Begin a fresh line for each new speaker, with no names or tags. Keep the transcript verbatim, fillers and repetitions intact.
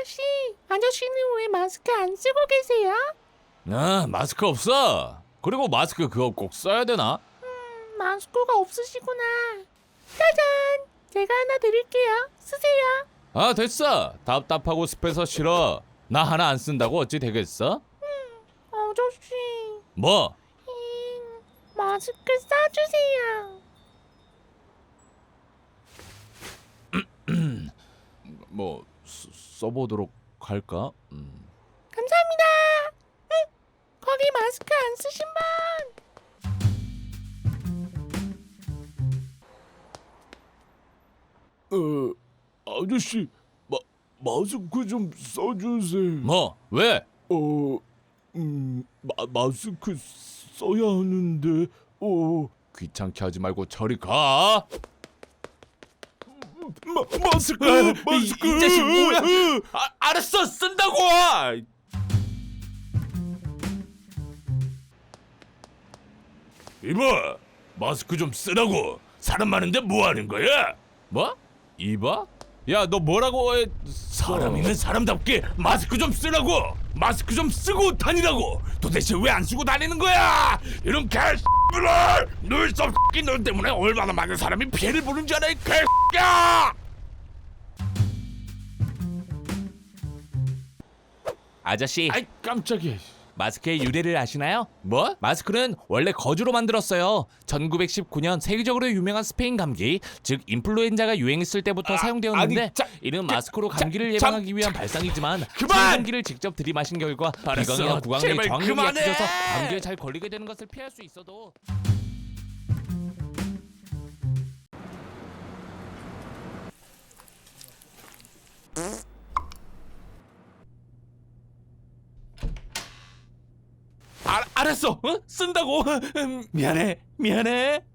아저씨, 아저씨는 왜 마스크 안 쓰고 계세요?
아, 마스크 없어. 그리고 마스크 그거 꼭 써야 되나?
음, 마스크가 없으시구나. 짜잔! 제가 하나 드릴게요. 쓰세요.
아, 됐어. 답답하고 습해서 싫어. 나 하나 안 쓴다고 어찌 되겠어?
아저씨,
뭐?
음, 마스크 싸주세요.
뭐 써, 써보도록 할까? 음.
감사합니다. 응, 거기 마스크 안 쓰신 분.
어, 아저씨, 마, 마스크 좀 써주세요.
뭐? 왜?
어, 음, 마, 마스크 써야 하는데, 어,
귀찮게 하지 말고 저리 가.
마, 마스크,
아,
마스크.
이, 이 자식 뭐야? 아, 알았어, 쓴다고. 이봐, 마스크 좀 쓰라고. 사람 많은데 뭐 하는 거야? 뭐? 이봐? 야, 너 뭐라고 해? 사람이면 사람답게 마스크 좀 쓰라고. 마스크 좀 쓰고 다니라고. 도대체 왜 안 쓰고 다니는 거야? 이런 개X들아! 눈썹 X 너 때문에 얼마나 많은 사람이 피해를 보는 줄 알아, 이 개X야! 아저씨,
아이, 깜짝이야.
마스크의 유래를 아시나요? 뭐? 마스크는 원래 거즈로 만들었어요. 천구백십구 년 세계적으로 유명한 스페인 감기, 즉 인플루엔자가 유행했을 때부터
아,
사용되었는데
아니, 자,
이는
자,
마스크로
자,
감기를
참,
예방하기 위한 발상이지만
그만!
감기를 직접 들이마신 결과
알았어,
비강이나 구강에
제발
저항력이
그만해!
약해져서 감기에 잘 걸리게 되는 것을 피할 수 있어도 알, 알았어. 어? 쓴다고. 음, 미안해. 미안해.